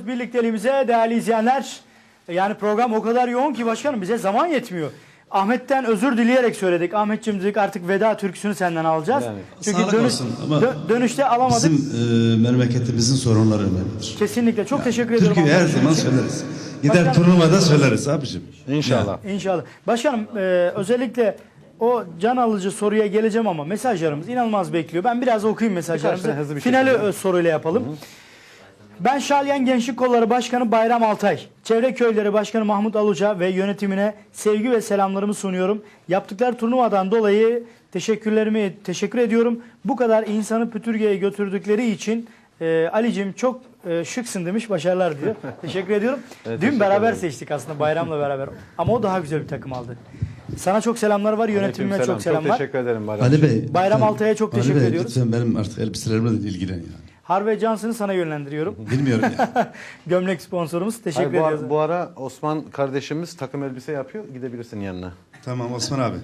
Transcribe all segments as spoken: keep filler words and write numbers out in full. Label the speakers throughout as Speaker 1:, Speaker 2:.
Speaker 1: birlikteliğimize değerli izleyenler. Yani program o kadar yoğun ki başkanım bize zaman yetmiyor. Ahmet'ten özür dileyerek söyledik. Ahmetciğim dedik artık veda türküsünü senden alacağız. Yani,
Speaker 2: Çünkü dönüş, dö
Speaker 1: dönüşte alamadık.
Speaker 2: Bizim e, memleketimizin sorunları önemlidir.
Speaker 1: Kesinlikle. Çok
Speaker 2: yani,
Speaker 1: teşekkür ediyorum.
Speaker 2: Türküyü her zaman söyleriz. Gider başkanım, turnuvada söyleriz abicim.
Speaker 3: İnşallah.
Speaker 1: Yani. İnşallah. Başkanım e, özellikle o can alıcı soruya geleceğim ama mesajlarımız inanılmaz bekliyor. Ben biraz okuyayım mesajlarımızı. Finali öz soruyla yapalım. Hı -hı. Ben Şalyan Gençlik Kolları Başkanı Bayram Altay, Çevre Köyleri Başkanı Mahmut Aluca ve yönetimine sevgi ve selamlarımı sunuyorum. Yaptıkları turnuvadan dolayı teşekkürlerimi teşekkür ediyorum. Bu kadar insanı Pütürge'ye götürdükleri için e, Ali'cim çok e, şıksın demiş, başarılar diyor. Teşekkür ediyorum. Evet, Dün beraber ederim. seçtik aslında Bayram'la beraber ama o daha güzel bir takım aldı. Sana çok selamlar var, yönetimime selam. çok selamlar.
Speaker 3: Çok teşekkür ederim Bayram.
Speaker 2: Ali Bey,
Speaker 1: Bayram Altay'a çok
Speaker 2: Ali
Speaker 1: teşekkür
Speaker 2: Bey,
Speaker 1: ediyoruz.
Speaker 2: Lütfen benim artık elbiselerimle de ilgilen yani.
Speaker 1: Harvey Johnson'ı sana yönlendiriyorum.
Speaker 2: Bilmiyorum ya.
Speaker 1: Gömlek sponsorumuz. Teşekkür
Speaker 3: Hayır, bu
Speaker 1: ediyoruz.
Speaker 3: Ara, bu ara Osman kardeşimiz takım elbise yapıyor. Gidebilirsin yanına.
Speaker 2: Tamam Osman abi.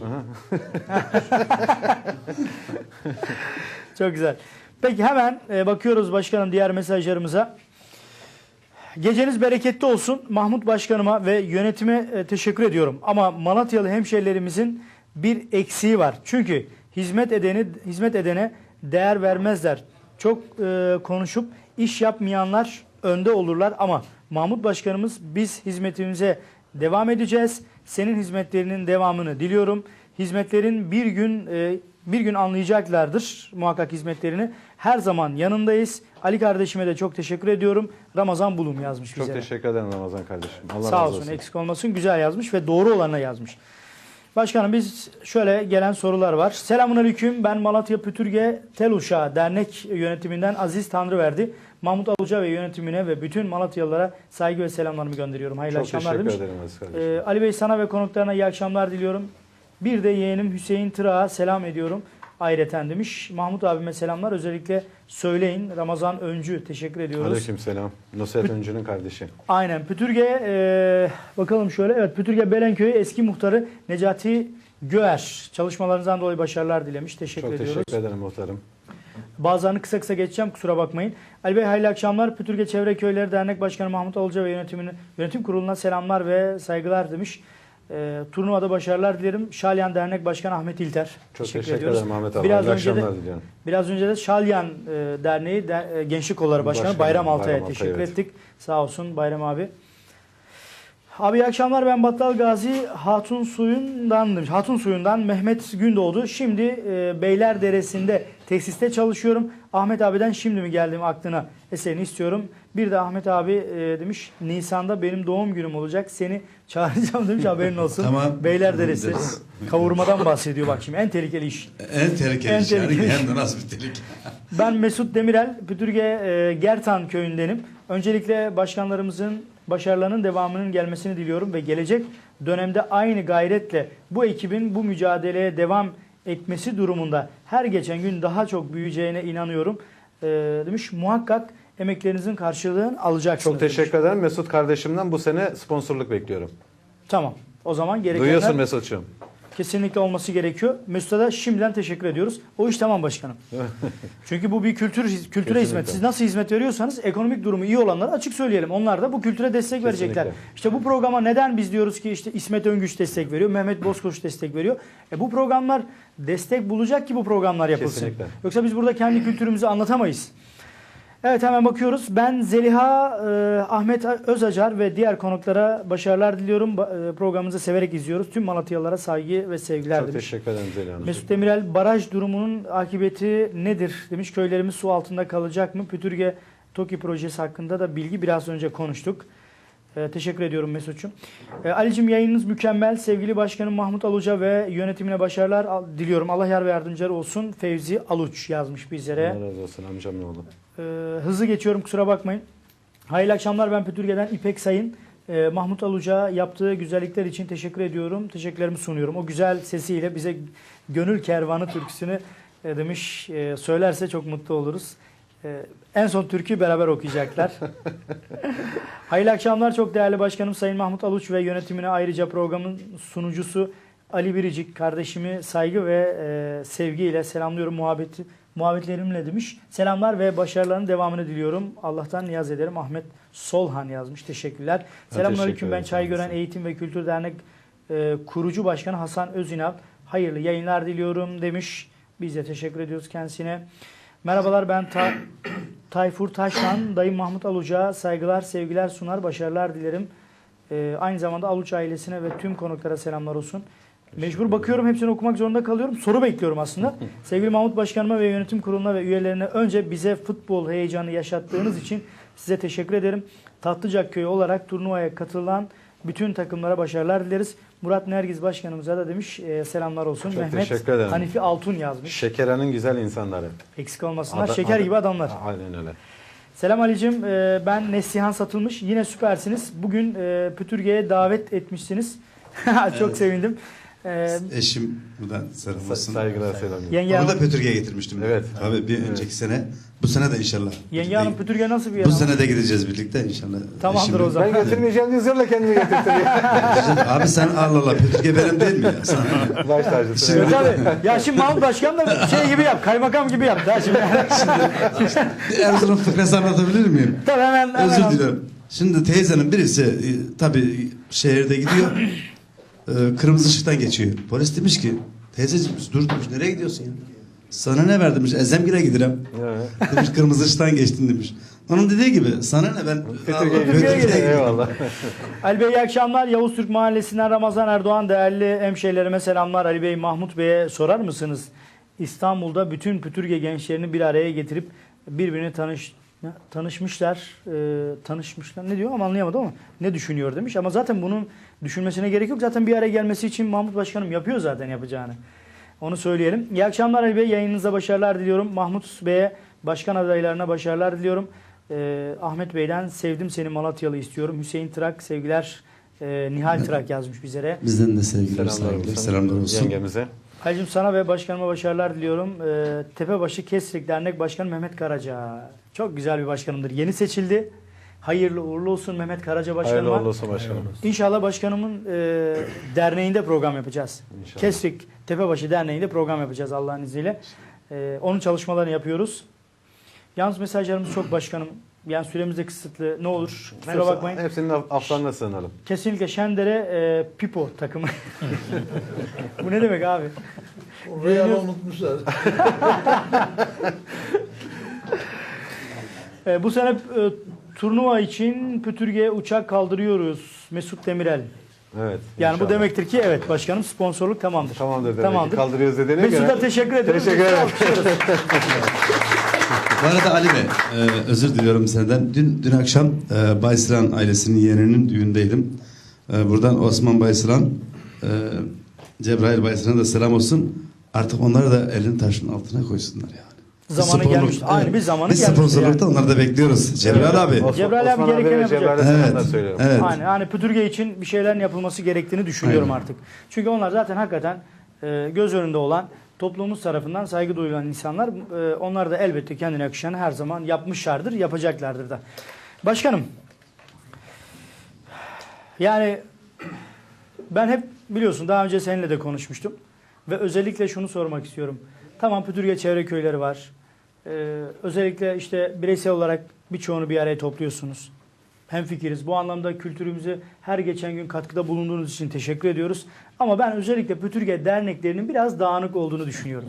Speaker 1: Çok güzel. Peki hemen e, bakıyoruz başkanım diğer mesajlarımıza. Geceniz bereketli olsun. Mahmut Başkanıma ve yönetime e, teşekkür ediyorum. Ama Malatyalı hemşehrilerimizin bir eksiği var. Çünkü hizmet edeni hizmet edene değer vermezler. Çok e, konuşup iş yapmayanlar önde olurlar ama Mahmut Başkanımız biz hizmetimize devam edeceğiz. Senin hizmetlerinin devamını diliyorum. Hizmetlerin bir gün e, bir gün anlayacaklardır muhakkak hizmetlerini. Her zaman yanındayız. Ali kardeşime de çok teşekkür ediyorum. Ramazan Bulum yazmış
Speaker 3: çok
Speaker 1: bize.
Speaker 3: Çok teşekkür ederim Ramazan kardeşim. Allah
Speaker 1: Sağ
Speaker 3: razı
Speaker 1: olsun,
Speaker 3: olsun.
Speaker 1: eksik olmasın. Güzel yazmış ve doğru olanla yazmış. Başkanım biz şöyle gelen sorular var. Selamünaleyküm. Ben Malatya Pütürge Tel Uşağı Dernek yönetiminden Aziz Tanrıverdi. Mahmut Aluca ve yönetimine ve bütün Malatyalılara saygı ve selamlarımı gönderiyorum. Hayırlı
Speaker 3: Çok
Speaker 1: akşamlar demiş.
Speaker 3: teşekkür ederim Aziz kardeşim.
Speaker 1: Ee, Ali Bey sana ve konuklarına iyi akşamlar diliyorum. Bir de yeğenim Hüseyin Tırağa selam ediyorum. Ayreten demiş. Mahmut abime selamlar. Özellikle söyleyin. Ramazan Öncü teşekkür ediyoruz.
Speaker 3: Aleyküm selam. Nusret Öncü'nün kardeşi.
Speaker 1: Aynen. Pütürge e, bakalım şöyle. Evet, Pütürge Belenköy'ü eski muhtarı Necati Göğer. Çalışmalarınızdan dolayı başarılar dilemiş. Teşekkür
Speaker 3: Çok
Speaker 1: ediyoruz.
Speaker 3: Çok teşekkür ederim muhtarım.
Speaker 1: Bazılarını kısa kısa geçeceğim. Kusura bakmayın. Ali Bey hayırlı akşamlar. Pütürge Çevre Köyleri Dernek Başkanı Mahmut Aluca ve yönetimini, yönetim kuruluna selamlar ve saygılar demiş. E, turnuvada başarılar dilerim. Şalyan Dernek Başkanı Ahmet İlter.
Speaker 3: Çok
Speaker 1: teşekkür,
Speaker 3: teşekkür
Speaker 1: ediyoruz.
Speaker 3: ederim Ahmet abi.
Speaker 1: Biraz
Speaker 3: İyi
Speaker 1: önce
Speaker 3: akşamlar
Speaker 1: de,
Speaker 3: diliyorum.
Speaker 1: Biraz önce de Şalyan e, Derneği de, e, Gençlik Kolları Başkanı
Speaker 3: Başkanım,
Speaker 1: Bayram Altay'a
Speaker 3: Bayram
Speaker 1: teşekkür
Speaker 3: Altay, evet.
Speaker 1: ettik. Sağ olsun Bayram abi. Abi iyi akşamlar, ben Battal Gazi Hatun Suyu'ndan Hatun Suyu'ndan Mehmet Gündoğdu. Şimdi e, Beylerderesi'nde tesiste çalışıyorum. Ahmet abiden şimdi mi geldim aklına eserini istiyorum. Bir de Ahmet abi e, demiş Nisan'da benim doğum günüm olacak. Seni çağıracağım demiş, haberin olsun.
Speaker 2: Tamam.
Speaker 1: Beylerderesi kavurmadan bahsediyor bak şimdi, en tehlikeli iş.
Speaker 2: En tehlikeli
Speaker 1: En
Speaker 2: iş. Yani
Speaker 1: tehlikeli.
Speaker 2: hem de nasıl bir tehlike.
Speaker 1: Ben Mesut Demirel, Pütürge e, Gertan köyündenim. Öncelikle başkanlarımızın başarılarının devamının gelmesini diliyorum ve gelecek dönemde aynı gayretle bu ekibin bu mücadeleye devam etmesi durumunda her geçen gün daha çok büyüyeceğine inanıyorum e, demiş. Muhakkak emeklerinizin karşılığını alacaksınız.
Speaker 3: Çok teşekkür
Speaker 1: demiş.
Speaker 3: ederim. Mesut kardeşimden bu sene sponsorluk bekliyorum.
Speaker 1: Tamam. O zaman gerekenler
Speaker 3: Duyuyorsun Mesut'cum.
Speaker 1: kesinlikle olması gerekiyor. Mesut'a da şimdiden teşekkür ediyoruz. O iş tamam başkanım. Çünkü bu bir kültür kültüre
Speaker 3: Kesinlikle.
Speaker 1: hizmet. Siz nasıl hizmet veriyorsanız ekonomik durumu iyi olanlara açık söyleyelim. Onlar da bu kültüre destek
Speaker 3: Kesinlikle.
Speaker 1: verecekler. İşte bu programa neden biz diyoruz ki işte İsmet Öngüç destek veriyor, Mehmet Bozkoç destek veriyor. E bu programlar destek bulacak ki bu programlar yapılsın.
Speaker 3: Kesinlikle.
Speaker 1: Yoksa biz burada kendi kültürümüzü anlatamayız. Evet, hemen bakıyoruz. Ben Zeliha, e, Ahmet Özacar ve diğer konuklara başarılar diliyorum. Ba- e, programımızı severek izliyoruz. Tüm Malatyalılara saygı ve sevgiler
Speaker 3: Çok
Speaker 1: demiş.
Speaker 3: teşekkür ederim Zeliha Hanım.
Speaker 1: Mesut Demirel, baraj durumunun akıbeti nedir demiş. Köylerimiz su altında kalacak mı? Pütürge TOKİ projesi hakkında da bilgi biraz önce konuştuk. E, teşekkür ediyorum Mesut'cum. E, Ali'cim yayınınız mükemmel. Sevgili Başkanım Mahmut Aluca ve yönetimine başarılar al- diliyorum. Allah yar ve yardımcıları olsun. Fevzi Aluç yazmış bizlere.
Speaker 3: Allah razı olsun amcam ne oldu?
Speaker 1: Ee, hızlı geçiyorum, kusura bakmayın. Hayırlı akşamlar, ben Pütürge'den İpek Sayın. Ee, Mahmut Aluca yaptığı güzellikler için teşekkür ediyorum. Teşekkürlerimi sunuyorum. O güzel sesiyle bize Gönül Kervanı türküsünü e, demiş. E, söylerse çok mutlu oluruz. E, en son türküyü beraber okuyacaklar. Hayırlı akşamlar çok değerli başkanım Sayın Mahmut Aluç ve yönetimine, ayrıca programın sunucusu Ali Biricik kardeşimi saygı ve e, sevgiyle selamlıyorum. Muhabbeti muhabbetlerimle demiş. Selamlar ve başarılarının devamını diliyorum. Allah'tan niyaz ederim. Ahmet Solhan yazmış. Teşekkürler. Selamünaleyküm. Ben
Speaker 3: ederim.
Speaker 1: Çaygören Eğitim ve Kültür Dernek e, kurucu başkanı Hasan Özünal. Hayırlı yayınlar diliyorum demiş. Biz de teşekkür ediyoruz kendisine. Merhabalar, ben Ta Tayfur Taşlan. Dayım Mahmut Aluç'a saygılar, sevgiler sunar. Başarılar dilerim. E, aynı zamanda Aluç ailesine ve tüm konuklara selamlar olsun. Mecbur bakıyorum, hepsini okumak zorunda kalıyorum. Soru bekliyorum aslında. Sevgili Mahmut Başkanıma ve yönetim kuruluna ve üyelerine önce bize futbol heyecanı yaşattığınız için size teşekkür ederim. Tatlıcak Köyü olarak turnuvaya katılan bütün takımlara başarılar dileriz. Murat Nergiz Başkanımıza da demiş e, selamlar olsun.
Speaker 3: Çok
Speaker 1: Mehmet
Speaker 3: teşekkür ederim.
Speaker 1: Hanifi Altun yazmış.
Speaker 3: Şekeranın güzel insanları.
Speaker 1: Eksik olmasınlar.
Speaker 3: Ada-
Speaker 1: Şeker
Speaker 3: ada-
Speaker 1: gibi adamlar.
Speaker 3: Aynen öyle.
Speaker 1: Selam Ali'cim. E, ben Neslihan Satılmış. Yine süpersiniz. Bugün e, Pütürge'ye davet etmişsiniz. Çok
Speaker 2: Evet.
Speaker 1: sevindim. E,
Speaker 2: Eşim buradan selam
Speaker 3: Sa-
Speaker 2: olsun.
Speaker 3: saygılar selam.
Speaker 1: Yenge
Speaker 2: Onu da
Speaker 1: Hanım,
Speaker 2: Pötürge'ye getirmiştim.
Speaker 3: Evet.
Speaker 2: Abi bir önceki sene. Bu sene de inşallah.
Speaker 1: Yenge Hanım Pütürge nasıl bir yer?
Speaker 2: Bu
Speaker 1: ama?
Speaker 2: sene de gideceğiz birlikte inşallah.
Speaker 1: Tamamdır
Speaker 2: Eşimle.
Speaker 1: o zaman.
Speaker 3: Ben getirmeyeceğim diye zorla kendimi getirtiyor.
Speaker 2: Abi sen Allah Allah Pötürge benim değil mi ya? Sana...
Speaker 3: Baş tacısı.
Speaker 2: Şimdi-
Speaker 1: Tabii. Ya şimdi Mahmut Başkan da şey gibi yap, kaymakam gibi yap. Daha şimdi.
Speaker 2: Bir Erzurum fıkrası anlatabilir miyim?
Speaker 1: Tabii hemen, hemen.
Speaker 2: Özür dilerim. Şimdi teyzenin birisi e, tabii şehirde gidiyor. e, kırmızı ışıktan geçiyor. Polis demiş ki teyzeciğim dur demiş, nereye gidiyorsun ya? Sana ne ver demiş. Ezemgir'e giderim.
Speaker 3: Evet.
Speaker 2: Demiş kırmızı ışıktan geçtin demiş. Onun dediği gibi sana ne ben
Speaker 3: Pütürge'ye
Speaker 2: Allah,
Speaker 1: Pütürge'ye
Speaker 3: gidiyor.
Speaker 1: gidiyor.
Speaker 3: Eyvallah.
Speaker 1: Ali Bey iyi akşamlar. Yavuz Türk Mahallesi'nden Ramazan Erdoğan, değerli hemşehrilerime selamlar. Ali Bey, Mahmut Bey'e sorar mısınız? İstanbul'da bütün Pütürge gençlerini bir araya getirip birbirini tanış tanışmışlar, e, tanışmışlar. Ne diyor ama anlayamadım ama ne düşünüyor demiş. Ama zaten bunun düşünmesine gerek yok. Zaten bir araya gelmesi için Mahmut Başkanım yapıyor zaten yapacağını. Onu söyleyelim. İyi akşamlar Ali Bey. Yayınınıza başarılar diliyorum. Mahmut Bey'e, başkan adaylarına başarılar diliyorum. Ee, Ahmet Bey'den sevdim seni Malatyalı istiyorum. Hüseyin Trak sevgiler. Ee, Nihal Trak yazmış bizlere.
Speaker 2: Bizden de sevgiler,
Speaker 3: Selamlar
Speaker 2: saygılar,
Speaker 3: olsun.
Speaker 2: selamlar olsun.
Speaker 3: Yengemize.
Speaker 1: Halicim sana ve başkanıma başarılar diliyorum. Ee, Tepebaşı Kesrik Dernek Başkanı Mehmet Karaca. Çok güzel bir başkanımdır. Yeni seçildi. Hayırlı uğurlu olsun Mehmet Karaca başkanıma.
Speaker 3: Hayırlı uğurlu olsun başkanım.
Speaker 1: İnşallah başkanımın e, derneğinde program yapacağız.
Speaker 3: İnşallah.
Speaker 1: Kesrik Tepebaşı Derneği'nde program yapacağız Allah'ın izniyle. E, onun çalışmalarını yapıyoruz. Yalnız mesajlarımız çok başkanım. Yani süremiz de kısıtlı. Ne olur kusura
Speaker 3: Hepsi-
Speaker 1: bakmayın.
Speaker 3: Hepsinin af- aflarına sığınalım.
Speaker 1: Kesinlikle Şendere e, Pipo takımı. Bu ne demek abi?
Speaker 4: Real'ı unutmuşlar.
Speaker 1: E, bu sene e, turnuva için Pütürge'ye uçak kaldırıyoruz. Mesut Demirel.
Speaker 3: Evet.
Speaker 1: Yani bu
Speaker 3: inşallah.
Speaker 1: demektir ki evet başkanım sponsorluk tamamdır.
Speaker 3: Tamamdır demek.
Speaker 1: Tamamdır.
Speaker 3: Kaldırıyoruz dediğine göre.
Speaker 1: Mesut'a teşekkür ederim.
Speaker 3: Teşekkür ederim.
Speaker 1: Alkışlıyoruz.
Speaker 2: Bu arada Ali Bey, e, özür diliyorum senden. Dün dün akşam e, Baysıran ailesinin yeğeninin düğündeydim. E, buradan Osman Baysıran, e, Cebrail Baysıran'a da selam olsun. Artık onları da elini taşın altına koysunlar yani.
Speaker 1: Zamanı
Speaker 2: Sponsorluk-
Speaker 1: gelmiş. Aynı bir zamanı
Speaker 2: Biz
Speaker 1: gelmiş.
Speaker 2: sponsorlukta onları da bekliyoruz. Cebrail abi.
Speaker 3: Osman-
Speaker 1: Cebrail abi
Speaker 3: Osman
Speaker 1: gerekeni
Speaker 3: ve
Speaker 1: yapacak.
Speaker 3: Cebrail'e
Speaker 2: Evet.
Speaker 3: selamlar söylüyorum.
Speaker 2: Evet.
Speaker 1: Yani, hani Pütürge için bir şeylerin yapılması gerektiğini düşünüyorum
Speaker 2: Aynen.
Speaker 1: artık. Çünkü onlar zaten hakikaten e, göz önünde olan, toplumumuz tarafından saygı duyulan insanlar. E, onlar da elbette kendine yakışanı her zaman yapmışlardır, yapacaklardır da. Başkanım, yani ben hep biliyorsun daha önce seninle de konuşmuştum. Ve özellikle şunu sormak istiyorum. Tamam Pütürge çevre köyleri var. Ee, özellikle işte bireysel olarak birçoğunu bir araya topluyorsunuz. Hemfikiriz. Bu anlamda kültürümüze her geçen gün katkıda bulunduğunuz için teşekkür ediyoruz. Ama ben özellikle Pütürge derneklerinin biraz dağınık olduğunu düşünüyorum.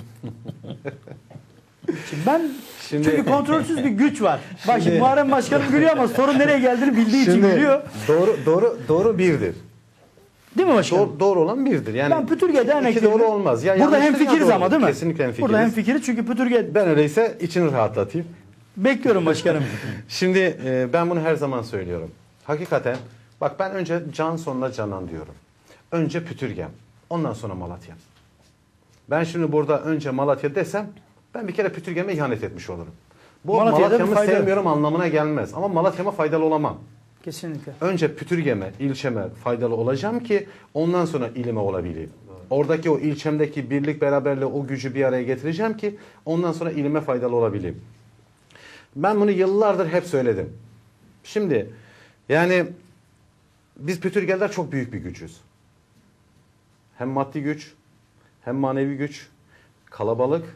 Speaker 1: Şimdi ben
Speaker 3: Şimdi-
Speaker 1: çünkü kontrolsüz bir güç var. Bak şimdi Muharrem Başkanım gülüyor ama sorun nereye geldiğini bildiği için
Speaker 3: Şimdi
Speaker 1: gülüyor.
Speaker 3: doğru doğru doğru birdir.
Speaker 1: Değil mi başkanım?
Speaker 3: Doğru, doğru olan birdir. Yani
Speaker 1: Ben Pütürge dernekleri...
Speaker 3: iki doğru olmaz. Ya
Speaker 1: burada
Speaker 3: yanlıştır ya
Speaker 1: hemfikiriz ama
Speaker 3: doğrudur.
Speaker 1: değil mi?
Speaker 3: Kesinlikle hemfikiriz.
Speaker 1: Burada hemfikiriz çünkü Pütürge...
Speaker 3: Ben öyleyse içini rahatlatayım.
Speaker 1: Bekliyorum başkanım.
Speaker 3: Şimdi e, ben bunu her zaman söylüyorum. Hakikaten bak ben önce can sonuna canan diyorum. Önce Pütürgem. Ondan sonra Malatya. Ben şimdi burada önce Malatya desem ben bir kere Pütürgem'e ihanet etmiş olurum. Bu
Speaker 1: Malatya'da bir
Speaker 3: Malatya'mı
Speaker 1: fayda yok.
Speaker 3: sevmiyorum anlamına gelmez. Ama Malatya'ma faydalı olamam.
Speaker 1: Kesinlikle.
Speaker 3: Önce Pütürgem'e, ilçeme faydalı olacağım ki ondan sonra ilime olabileyim. Oradaki o ilçemdeki birlik beraberliği o gücü bir araya getireceğim ki ondan sonra ilime faydalı olabileyim. Ben bunu yıllardır hep söyledim. Şimdi yani biz Pütürgeler çok büyük bir gücüz. Hem maddi güç, hem manevi güç, kalabalık,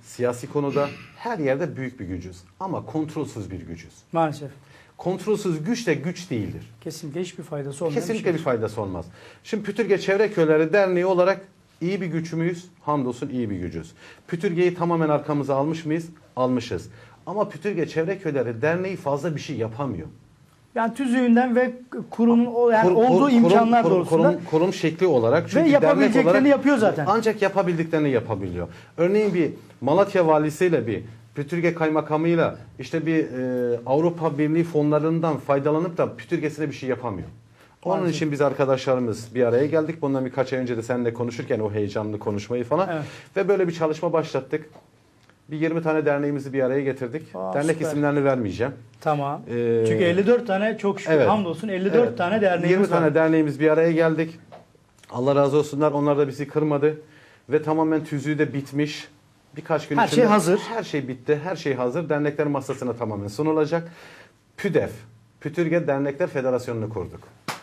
Speaker 3: siyasi konuda her yerde büyük bir gücüz. Ama kontrolsüz bir gücüz.
Speaker 1: Maalesef.
Speaker 3: Kontrolsüz güç de güç değildir.
Speaker 1: Kesinlikle hiçbir faydası olmayan
Speaker 3: Kesinlikle
Speaker 1: bir
Speaker 3: bir
Speaker 1: şey.
Speaker 3: faydası olmaz. Şimdi Pütürge Çevre Köyleri Derneği olarak iyi bir güç müyüz? Hamdolsun iyi bir gücüz. Pütürge'yi tamamen arkamıza almış mıyız? Almışız. Ama Pütürge Çevre Köyleri Derneği fazla bir şey yapamıyor.
Speaker 1: Yani tüzüğünden ve kurumun o- yani
Speaker 3: Kur- kur-
Speaker 1: olduğu
Speaker 3: kurum-
Speaker 1: imkanlar
Speaker 3: kurum-
Speaker 1: doğrultusunda
Speaker 3: kurum, kurum şekli olarak
Speaker 1: ve
Speaker 3: çünkü
Speaker 1: yapabileceklerini
Speaker 3: dernek olarak
Speaker 1: yapıyor zaten.
Speaker 3: ancak yapabildiklerini yapabiliyor. Örneğin bir Malatya valisiyle bir Pütürge kaymakamıyla işte bir e, Avrupa Birliği fonlarından faydalanıp da Pütürgesine bir şey yapamıyor. Onun
Speaker 1: Maalesef.
Speaker 3: için biz arkadaşlarımız bir araya geldik. Bundan birkaç ay önce de seninle konuşurken o heyecanlı konuşmayı falan
Speaker 1: Evet.
Speaker 3: ve böyle bir çalışma başlattık. Bir yirmi tane derneğimizi bir araya getirdik.
Speaker 1: Aa,
Speaker 3: Dernek
Speaker 1: süper.
Speaker 3: isimlerini vermeyeceğim.
Speaker 1: Tamam.
Speaker 3: Ee,
Speaker 1: Çünkü elli dört tane çok şükür
Speaker 3: evet.
Speaker 1: hamdolsun elli dört
Speaker 3: Evet.
Speaker 1: tane derneğimiz
Speaker 3: yirmi
Speaker 1: var.
Speaker 3: tane derneğimiz bir araya geldik. Allah razı olsunlar. Onlar da bizi kırmadı. Ve tamamen tüzüğü de bitmiş. Birkaç gün
Speaker 1: Her
Speaker 3: içinde
Speaker 1: şey hazır.
Speaker 3: Her şey bitti. Her şey hazır. Dernekler masasına tamamen sunulacak. PÜDEF, Pütürge Dernekler Federasyonu'nu kurduk.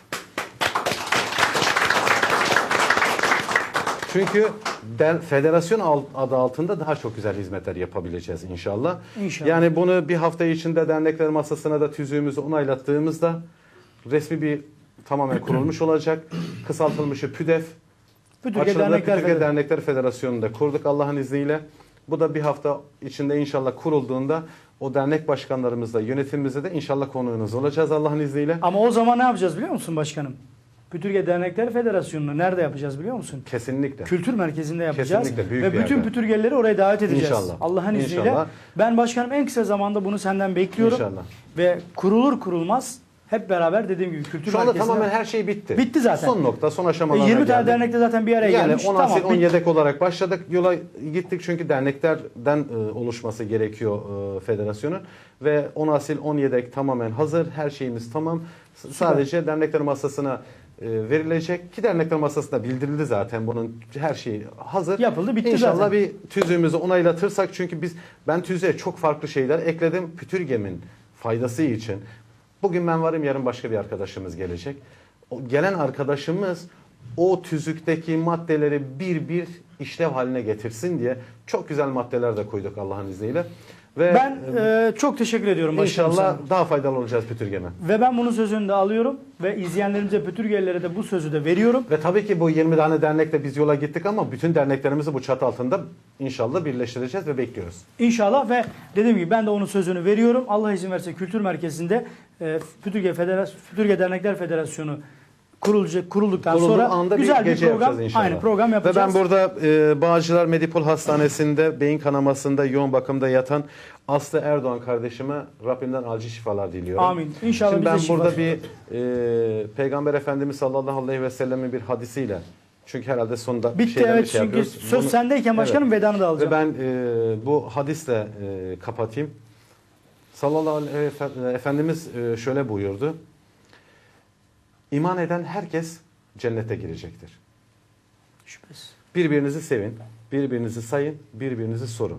Speaker 3: Çünkü der, federasyon alt- adı altında daha çok güzel hizmetler yapabileceğiz inşallah.
Speaker 1: İnşallah.
Speaker 3: Yani bunu bir hafta içinde dernekler masasına da tüzüğümüzü onaylattığımızda resmi bir tamamen kurulmuş olacak. Kısaltılmışı PÜDEF.
Speaker 1: Pütürge
Speaker 3: Açılımda
Speaker 1: Dernekler
Speaker 3: Pütürge
Speaker 1: Federasyonu.
Speaker 3: Dernekler Federasyonu'nu da kurduk Allah'ın izniyle. Bu da bir hafta içinde inşallah kurulduğunda o dernek başkanlarımızla, yönetimimizle de inşallah konuğunuz olacağız Allah'ın izniyle.
Speaker 1: Ama o zaman ne yapacağız biliyor musun başkanım? Pütürge Dernekler Federasyonu'nu nerede yapacağız biliyor musun?
Speaker 3: Kesinlikle.
Speaker 1: Kültür merkezinde yapacağız.
Speaker 3: Kesinlikle, büyük
Speaker 1: Ve
Speaker 3: bir
Speaker 1: bütün
Speaker 3: yerde.
Speaker 1: pütürgeleri oraya davet edeceğiz.
Speaker 3: İnşallah.
Speaker 1: Allah'ın izniyle.
Speaker 3: İnşallah.
Speaker 1: Ben başkanım en kısa zamanda bunu senden bekliyorum.
Speaker 3: İnşallah.
Speaker 1: Ve kurulur kurulmaz hep beraber dediğim gibi kültür
Speaker 3: Şu anda
Speaker 1: merkezinde.
Speaker 3: tamamen her şey bitti.
Speaker 1: Bitti zaten.
Speaker 3: Son nokta, son
Speaker 1: E,
Speaker 3: aşamalara
Speaker 1: yirmi tane
Speaker 3: geldik.
Speaker 1: dernekte zaten bir araya
Speaker 3: Yani
Speaker 1: gelmiş.
Speaker 3: on
Speaker 1: Tamam,
Speaker 3: asil, on
Speaker 1: bitti.
Speaker 3: yedek olarak başladık. Yola gittik çünkü derneklerden e, oluşması gerekiyor e, federasyonun. Ve on asil, on yedek tamamen hazır. Her şeyimiz tamam. S- Sadece dernekler masasına e, verilecek. Ki dernekler masasında bildirildi zaten. Bunun her şeyi hazır.
Speaker 1: Yapıldı, bitti
Speaker 3: İnşallah
Speaker 1: zaten.
Speaker 3: bir tüzüğümüzü onaylatırsak çünkü biz ben tüzüğe çok farklı şeyler ekledim. Pütürgemin faydası için. Bugün ben varım, yarın başka bir arkadaşımız gelecek. O gelen arkadaşımız o tüzükteki maddeleri bir bir işlev haline getirsin diye çok güzel maddeler de koyduk Allah'ın izniyle. Ve
Speaker 1: Ben e, çok teşekkür ediyorum başkanım
Speaker 3: inşallah
Speaker 1: sana.
Speaker 3: daha faydalı olacağız Pütürge'me.
Speaker 1: Ve ben bunun sözünü de alıyorum ve izleyenlerimize, pütürgelilere de bu sözü de veriyorum.
Speaker 3: Ve tabii ki bu yirmi tane dernekle biz yola gittik ama bütün derneklerimizi bu çatı altında inşallah birleştireceğiz ve bekliyoruz.
Speaker 1: İnşallah ve dediğim gibi ben de onun sözünü veriyorum. Allah izin verirse Kültür Merkezi'nde e, Pütürge, Federasyon, Pütürge Dernekler Federasyonu kurulacak, kurulduktan
Speaker 3: Kurulduğu
Speaker 1: sonra
Speaker 3: anda
Speaker 1: güzel bir,
Speaker 3: gece
Speaker 1: program,
Speaker 3: yapacağız inşallah.
Speaker 1: aynı program
Speaker 3: Ve
Speaker 1: yapacağız.
Speaker 3: ben burada e, Bağcılar Medipol Hastanesi'nde beyin kanamasında yoğun bakımda yatan Aslı Erdoğan kardeşime Rabbimden acil şifalar diliyorum.
Speaker 1: Amin. İnşallah
Speaker 3: Şimdi
Speaker 1: bize
Speaker 3: ben
Speaker 1: şifa.
Speaker 3: burada bir e, Peygamber Efendimiz sallallahu aleyhi ve sellemin bir hadisiyle çünkü herhalde sonunda bir
Speaker 1: Bitti
Speaker 3: şeyler
Speaker 1: evet
Speaker 3: bir şey
Speaker 1: çünkü
Speaker 3: yapıyoruz.
Speaker 1: söz
Speaker 3: Bunu-
Speaker 1: sendeyken başkanım
Speaker 3: Evet.
Speaker 1: vedanı da alacağım.
Speaker 3: Ve ben e, bu hadisle e, kapatayım. Sallallahu aleyhi ve Efe- Efendimiz e, şöyle buyurdu. İman eden herkes cennete girecektir.
Speaker 1: Şüphesiz.
Speaker 3: Birbirinizi sevin, birbirinizi sayın, birbirinizi sorun.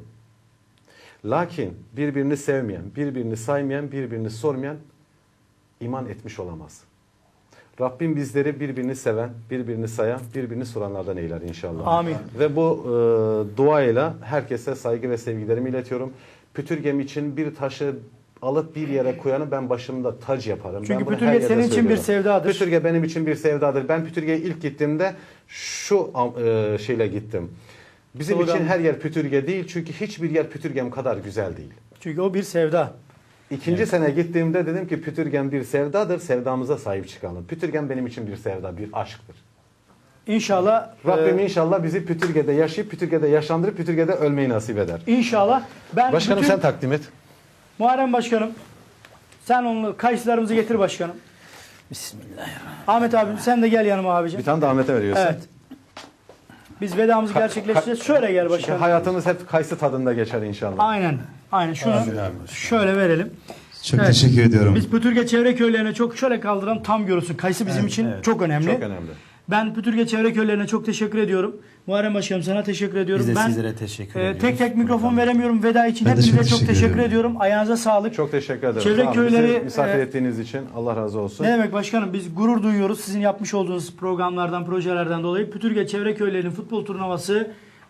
Speaker 3: Lakin birbirini sevmeyen, birbirini saymayan, birbirini sormayan iman etmiş olamaz. Rabbim bizleri birbirini seven, birbirini sayan, birbirini soranlardan eyler inşallah.
Speaker 1: Amin.
Speaker 3: Ve bu e, duayla herkese saygı ve sevgilerimi iletiyorum. Pütürgem için bir taşı alıp bir yere koyanı ben başımda tac yaparım.
Speaker 1: Çünkü
Speaker 3: Ben bunu
Speaker 1: Pütürge
Speaker 3: her yerde
Speaker 1: senin için bir
Speaker 3: söylüyorum.
Speaker 1: sevdadır.
Speaker 3: Pütürge benim için bir sevdadır. Ben Pütürge'ye ilk gittiğimde şu e, şeyle gittim. Bizim
Speaker 1: Slogan.
Speaker 3: için her yer Pütürge değil çünkü hiçbir yer Pütürgem kadar güzel değil.
Speaker 1: Çünkü o bir sevda.
Speaker 3: İkinci sene gittiğimde dedim ki Pütürgem bir sevdadır, sevdamıza sahip çıkalım. Pütürgem benim için bir sevda, bir aşktır.
Speaker 1: İnşallah
Speaker 3: Rabbim
Speaker 1: e,
Speaker 3: inşallah bizi Pütürge'de yaşayıp, Pütürge'de yaşlandırıp, Pütürge'de ölmeyi nasip eder.
Speaker 1: İnşallah ben
Speaker 3: Başkanım
Speaker 1: bütün,
Speaker 3: sen takdim et.
Speaker 1: Muharrem Başkanım sen onu kayısılarımızı getir başkanım.
Speaker 4: Bismillahirrahmanirrahim.
Speaker 1: Ahmet abim sen de gel yanıma abicim.
Speaker 3: Bir tane de Ahmet'e veriyorsun.
Speaker 1: Evet. Biz vedamızı gerçekleştireceğiz. Şöyle gel
Speaker 3: Çünkü
Speaker 1: başkanım.
Speaker 3: hayatımız hep kayısı tadında geçer inşallah.
Speaker 1: Aynen. Aynen şunu
Speaker 2: Amin abi.
Speaker 1: şöyle verelim.
Speaker 2: Çok
Speaker 1: Evet.
Speaker 2: teşekkür ediyorum.
Speaker 1: Biz Pütürge çevre köylerine çok şöyle kaldıran tam görürsün. Kayısı bizim için çok önemli.
Speaker 3: Çok önemli.
Speaker 1: Ben Pütürge çevre köylerine çok teşekkür ediyorum. Muharrem Başkanım sana teşekkür ediyorum.
Speaker 4: Biz de
Speaker 1: ben
Speaker 4: sizlere teşekkür
Speaker 1: e,
Speaker 4: ediyoruz.
Speaker 1: tek tek mikrofon veremiyorum veda için.
Speaker 2: Ben de
Speaker 1: Hepinize
Speaker 2: çok
Speaker 1: çok
Speaker 2: teşekkür
Speaker 1: teşekkür
Speaker 2: ediyorum.
Speaker 1: ediyorum. Ayağınıza sağlık.
Speaker 3: Çok teşekkür ederim.
Speaker 1: Çevre
Speaker 3: Sağ olun. Bizi
Speaker 1: köyleri,
Speaker 3: misafir
Speaker 1: e,
Speaker 3: ettiğiniz için Allah razı olsun.
Speaker 1: Ne demek başkanım biz gurur duyuyoruz sizin yapmış olduğunuz programlardan, projelerden dolayı. Pütürge Çevre Köylerinin futbol turnuvası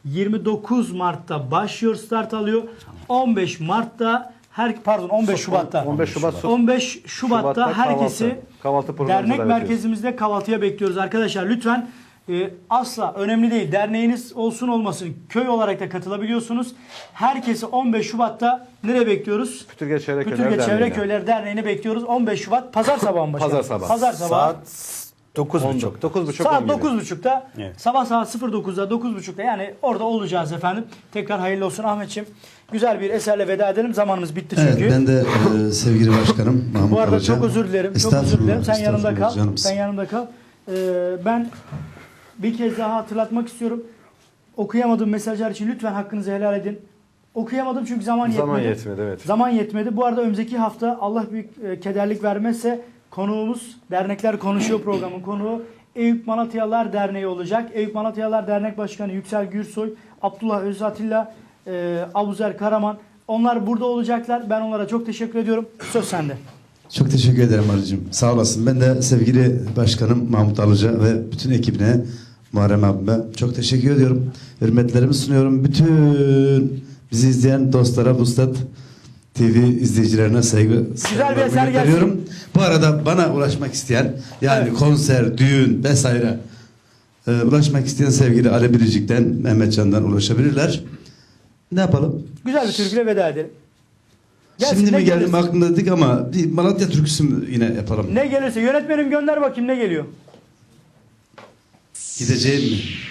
Speaker 1: yirmi dokuz Mart'ta başlıyor, start alıyor. on beş Mart'ta her pardon on beş Şubat'ta.
Speaker 3: on beş Şubat.
Speaker 1: on beş Şubat'ta
Speaker 3: Şubat'ta
Speaker 1: herkesi
Speaker 3: kahvaltı. Kahvaltı programımıza
Speaker 1: dernek
Speaker 3: davet
Speaker 1: merkezimizde kahvaltıya bekliyoruz arkadaşlar. Lütfen e, asla önemli değil. Derneğiniz olsun olmasın. Köy olarak da katılabiliyorsunuz. Herkesi on beş Şubat'ta nereye bekliyoruz?
Speaker 3: Pütürge Çevre Köyler
Speaker 1: Pütürge Çevre
Speaker 3: Derneği'ne.
Speaker 1: Köyleri Derneği'ne bekliyoruz. on beş Şubat pazar sabahı mı başkanım?
Speaker 3: Pazar sabahı.
Speaker 1: Pazar sabahı.
Speaker 4: Saat dokuz buçuk.
Speaker 3: dokuz buçuk
Speaker 1: Saat dokuz buçukta,
Speaker 4: Evet.
Speaker 1: sabah saat sıfır dokuzda, dokuz buçukta yani orada olacağız efendim. Tekrar hayırlı olsun Ahmetciğim. Güzel bir eserle veda edelim. Zamanımız bitti çünkü.
Speaker 2: Evet, ben de e, sevgili başkanım Mahmut
Speaker 1: Bu arada
Speaker 2: Karaca.
Speaker 1: çok özür dilerim. Çok özür
Speaker 2: Estağfurullah,
Speaker 1: dilerim. Sen yanımda
Speaker 2: estağfurullah
Speaker 1: kal.
Speaker 2: canımsın.
Speaker 1: Sen yanımda kal. Ee, ben bir kez daha hatırlatmak istiyorum. Okuyamadığım mesajlar için lütfen hakkınızı helal edin. Okuyamadım çünkü zaman yetmedi.
Speaker 3: Zaman yetmedi, evet.
Speaker 1: Zaman yetmedi. Bu arada önümüzdeki hafta Allah büyük e, kederlik vermezse konuğumuz Dernekler Konuşuyor programın konuğu Eyüp Malatyalılar Derneği olacak. Eyüp Malatyalılar Dernek Başkanı Yüksel Gürsoy, Abdullah Özatilla, e, Abuzer Karaman. Onlar burada olacaklar. Ben onlara çok teşekkür ediyorum. Söz sende.
Speaker 2: Çok teşekkür ederim Arıcığım. Sağ olasın. Ben de sevgili başkanım Mahmut Alıca ve bütün ekibine, Muharrem abime çok teşekkür ediyorum. Hürmetlerimi sunuyorum. Bütün bizi izleyen dostlara, Vuslat T V izleyicilerine saygı
Speaker 1: bir
Speaker 2: saygılarımı
Speaker 1: eser gelsin.
Speaker 2: gönderiyorum. Bu arada bana ulaşmak isteyen, yani
Speaker 1: Evet.
Speaker 2: konser, düğün vesaire e, ulaşmak isteyen sevgili Ali Biricik'ten, Mehmetcan'dan ulaşabilirler. Ne yapalım?
Speaker 1: Güzel bir türküyle veda edelim. Gelsin,
Speaker 2: Şimdi
Speaker 1: ne
Speaker 2: mi geldim
Speaker 1: gelirse.
Speaker 2: aklımda dedik ama bir Malatya türküsü mü yine yapalım?
Speaker 1: Ne gelirse yönetmenim gönder bakayım ne geliyor.
Speaker 2: Gideceğim mi?